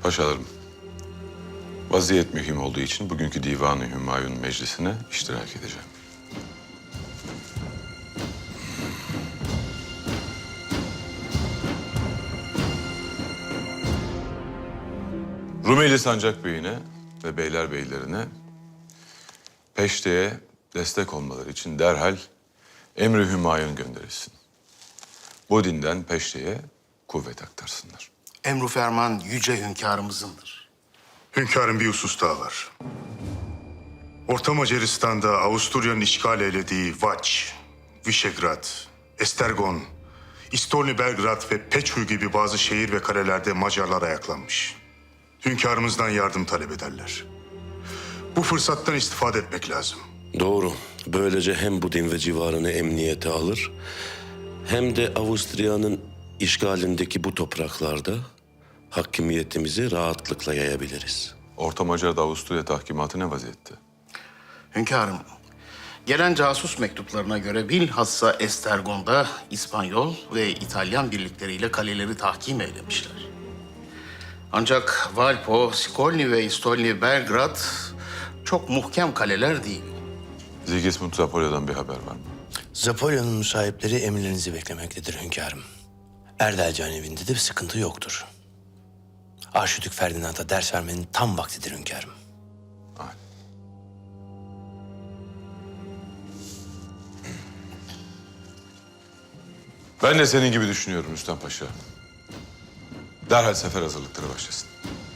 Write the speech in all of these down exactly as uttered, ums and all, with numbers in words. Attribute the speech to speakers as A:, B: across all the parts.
A: Paşalarım, vaziyet mühim olduğu için bugünkü Divan-ı Hümayun Meclisi'ne iştirak edeceğim. Rumeli Sancak Bey'ine ve Beylerbeylerine Peşte'ye destek olmaları için derhal emri hümayun gönderilsin. Bu dinden Peşte'ye kuvvet aktarsınlar.
B: Emru ferman yüce hünkârımızındır.
C: Hünkârın bir husus daha var. Orta Macaristan'da Avusturya'nın işgal eylediği Vaç, Vişegrad, Estergon, İstolni Belgrad ve Peçhü gibi bazı şehir ve kalelerde Macarlar ayaklanmış. Hünkârımızdan yardım talep ederler. Bu fırsattan istifade etmek lazım.
D: Doğru. Böylece hem Budin ve civarını emniyete alır, hem de Avusturya'nın işgalindeki bu topraklarda hakimiyetimizi rahatlıkla yayabiliriz.
A: Orta Macar'da Avusturya tahkimatı ne vaziyette?
B: Hünkârım, gelen casus mektuplarına göre bilhassa Estergon'da İspanyol ve İtalyan birlikleriyle kaleleri tahkim eylemişler. Ancak Valpo, Skolni ve İstolni Belgrad çok muhkem kaleler değil.
A: Sigismund Zapolya'dan bir haber var mı?
E: Zapolya'nın müsahipleri emirlerinizi beklemektedir hünkârım. Erdelcan evinde de bir sıkıntı yoktur. Arşidük Ferdinand'a ders vermenin tam vaktidir hünkârım.
A: Aynen. Ben de senin gibi düşünüyorum Rüstem Paşa. Derhal sefer hazırlıkları başlasın.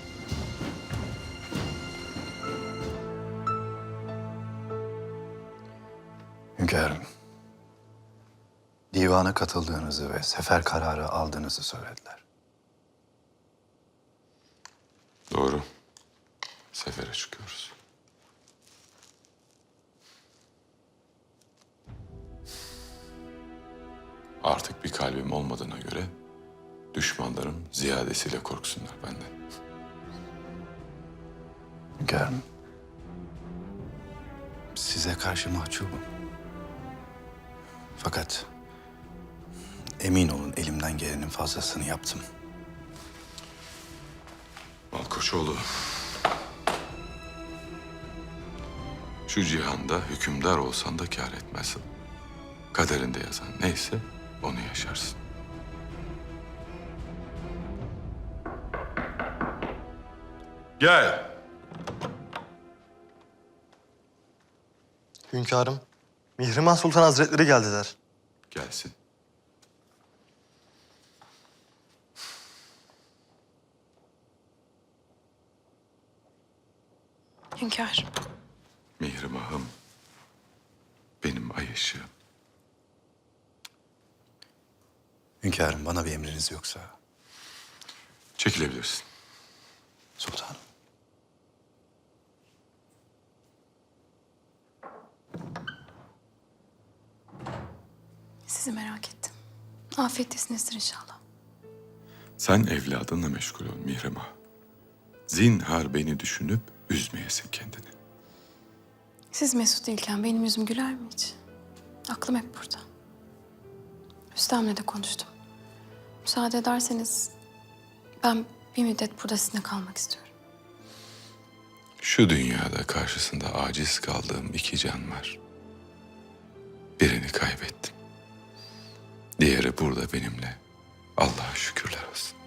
F: Hünkârım, divana katıldığınızı ve sefer kararı aldığınızı söylediler.
A: Doğru. Sefere çıkıyoruz. Artık bir kalbim olmadığına göre düşmanlarım ziyadesiyle korksunlar benden.
F: Hünkârım, size karşı mahcubum. Fakat emin olun elimden gelenin fazlasını yaptım.
A: Malkoçoğlu, şu cihanda hükümdar olsan da kâr etmez. Kaderinde yazan neyse onu yaşarsın. Gel.
G: Hünkârım, Mihrimah Sultan Hazretleri geldiler.
A: Gelsin.
H: Hünkârım.
A: Mihrimah'ım, benim ay ışığım.
F: Hünkârım, bana bir emriniz yoksa.
A: Çekilebilirsin.
F: Sultanım.
H: Sizi merak ettim. Afiyettesinizdir inşallah.
A: Sen evladınla meşgul ol Mihrimah. Zinhar beni düşünüp üzmeyesin kendini.
H: Siz mesut değilken benim yüzüm güler mi hiç? Aklım hep burada. Rüstem'le de konuştum. Müsaade ederseniz ben bir müddet burada sizinle kalmak istiyorum.
A: Şu dünyada karşısında aciz kaldığım iki can var. Birini kaybettim. Diğeri burada benimle. Allah'a şükürler olsun.